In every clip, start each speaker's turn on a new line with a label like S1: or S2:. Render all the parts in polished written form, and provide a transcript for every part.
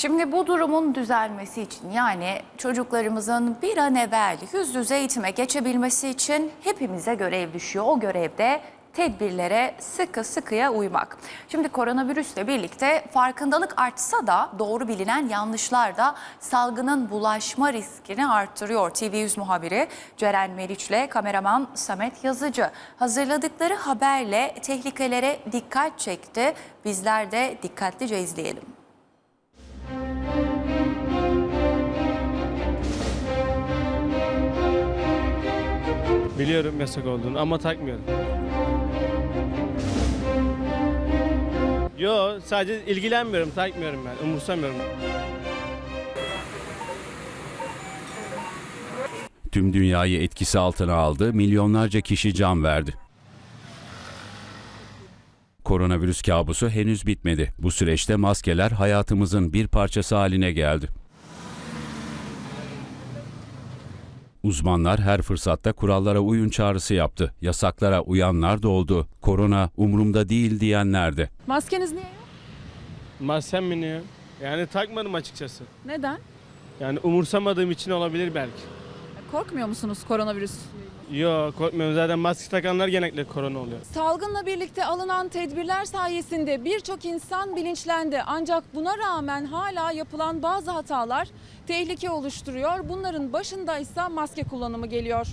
S1: Şimdi bu durumun düzelmesi için yani çocuklarımızın bir an evvel yüz yüze eğitime geçebilmesi için hepimize görev düşüyor. O görevde tedbirlere sıkıya uymak. Şimdi koronavirüsle birlikte farkındalık artsa da doğru bilinen yanlışlar da salgının bulaşma riskini arttırıyor. TV100 muhabiri Ceren Meriç'le kameraman Samet Yazıcı hazırladıkları haberle tehlikelere dikkat çekti. Bizler de dikkatlice izleyelim.
S2: Biliyorum yasak olduğunu ama takmıyorum. Yo, sadece ilgilenmiyorum, takmıyorum ben, umursamıyorum.
S3: Tüm dünyayı etkisi altına aldı, milyonlarca kişi can verdi. Koronavirüs kabusu henüz bitmedi. Bu süreçte maskeler hayatımızın bir parçası haline geldi. Uzmanlar her fırsatta kurallara uyun çağrısı yaptı. Yasaklara uyanlar da oldu. Korona umurumda değil diyenler de.
S4: Maskeniz niye yok?
S2: Maskem mi ne? Yani takmadım açıkçası.
S4: Neden?
S2: Yani umursamadığım için olabilir belki.
S4: Korkmuyor musunuz koronavirüs?
S2: Yo, korkmuyorum, zaten maske takanlar genellikle korona oluyor.
S4: Salgınla birlikte alınan tedbirler sayesinde birçok insan bilinçlendi. Ancak buna rağmen hala yapılan bazı hatalar tehlike oluşturuyor. Bunların başında ise maske kullanımı geliyor.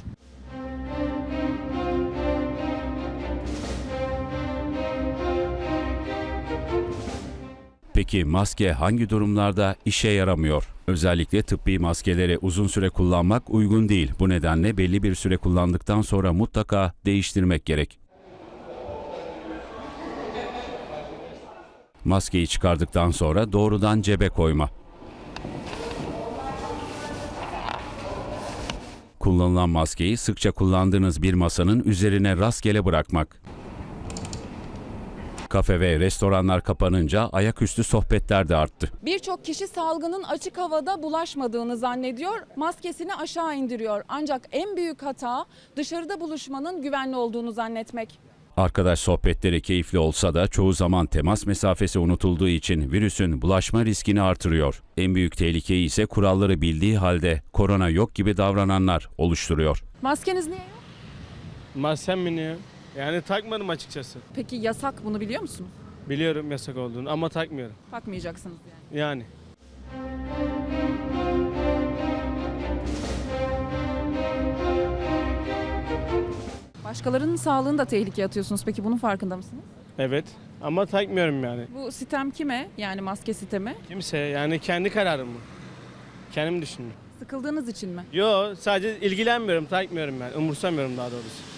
S3: Peki maske hangi durumlarda işe yaramıyor? Özellikle tıbbi maskeleri uzun süre kullanmak uygun değil. Bu nedenle belli bir süre kullandıktan sonra mutlaka değiştirmek gerek. Maskeyi çıkardıktan sonra doğrudan cebe koyma. Kullanılan maskeyi sıkça kullandığınız bir masanın üzerine rastgele bırakmak. Kafe ve restoranlar kapanınca ayaküstü sohbetler de arttı.
S4: Birçok kişi salgının açık havada bulaşmadığını zannediyor, maskesini aşağı indiriyor. Ancak en büyük hata dışarıda buluşmanın güvenli olduğunu zannetmek.
S3: Arkadaş sohbetleri keyifli olsa da çoğu zaman temas mesafesi unutulduğu için virüsün bulaşma riskini artırıyor. En büyük tehlikeyi ise kuralları bildiği halde korona yok gibi davrananlar oluşturuyor.
S4: Maskeniz niye yok?
S2: Maskem mi ne? Yani takmadım açıkçası.
S4: Peki yasak, bunu biliyor musunuz?
S2: Biliyorum yasak olduğunu ama takmıyorum.
S4: Takmayacaksınız yani.
S2: Yani.
S4: Başkalarının sağlığını da tehlikeye atıyorsunuz. Peki bunun farkında mısınız?
S2: Evet ama takmıyorum yani.
S4: Bu sitem kime? Yani maske sitemi.
S2: Kimse, yani kendi kararım bu. Kendim düşündüm.
S4: Sıkıldığınız için mi?
S2: Yo, sadece ilgilenmiyorum, takmıyorum ben, umursamıyorum daha doğrusu.